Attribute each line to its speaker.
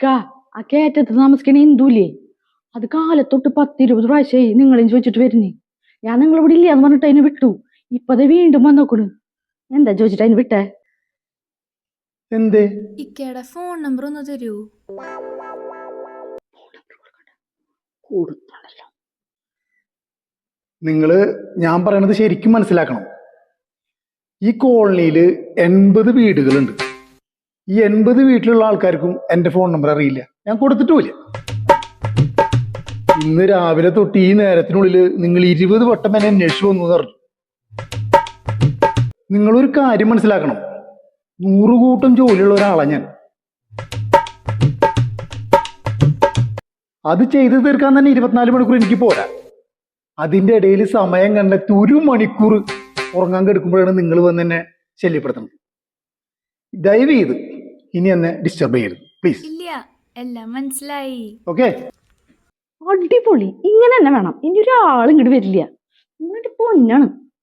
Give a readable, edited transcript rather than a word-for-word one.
Speaker 1: ആ കയറ്റത്ത് താമസിക്കണ ഹിന്ദുല്ലേ, അത് കാലത്തൊട്ട് 10-20 പ്രാവശ്യമായി നിങ്ങളെയും ചോദിച്ചിട്ട് വരുന്നേ. ഞാൻ നിങ്ങളിവിടെ ഇല്ല എന്ന് പറഞ്ഞിട്ട് അതിന് വിട്ടു. ഇപ്പത് വീണ്ടും വന്നോക്കണ്. എന്താ ചോദിച്ചിട്ട് അതിന് വിട്ടേ?
Speaker 2: എന്തേ?
Speaker 3: ഇക്കയുടെ ഫോൺ നമ്പർ ഒന്ന് തരൂ.
Speaker 2: നിങ്ങള് ഞാൻ പറയണത് ശരിക്കും മനസ്സിലാക്കണം. ഈ കോളനിയിൽ 80 വീടുകളുണ്ട്. ഈ 80 വീട്ടിലുള്ള ആൾക്കാർക്കും എന്റെ ഫോൺ നമ്പർ അറിയില്ല, ഞാൻ കൊടുത്തിട്ടുമില്ല. ഇന്ന് രാവിലെ തൊട്ട് ഈ നേരത്തിനുള്ളിൽ നിങ്ങൾ 20 വട്ടം എന്നെ അന്വേഷിച്ചു വന്നു പറഞ്ഞു. നിങ്ങളൊരു കാര്യം മനസ്സിലാക്കണം, 100 കൂട്ടം ജോലിയുള്ള ഒരാളാണ് ഞാൻ. അത് ചെയ്തു തീർക്കാൻ തന്നെ 24 മണിക്കൂർ എനിക്ക് പോരാ. അതിന്റെ ഇടയിൽ സമയം കണ്ടെത്തി 1 മണിക്കൂർ ഉറങ്ങാൻ കിടക്കുമ്പോഴാണ് നിങ്ങൾ വന്ന് എന്നെ ശല്യപ്പെടുത്തുന്നത്. ദയവ് ചെയ്ത് ഇനി എന്നെ ഡിസ്റ്റർബ് ചെയ്യരുത് പ്ലീസ്.
Speaker 3: ഇല്ല, എല്ലാം മനസ്സിലായി.
Speaker 2: ഓക്കെ,
Speaker 1: അടിപൊളി. ഇങ്ങനെ തന്നെ വേണം. ഇനി ഒരാളും ഇങ്ങോട്ട് വരില്ല. നിങ്ങളുടെ പൊന്നാണ്.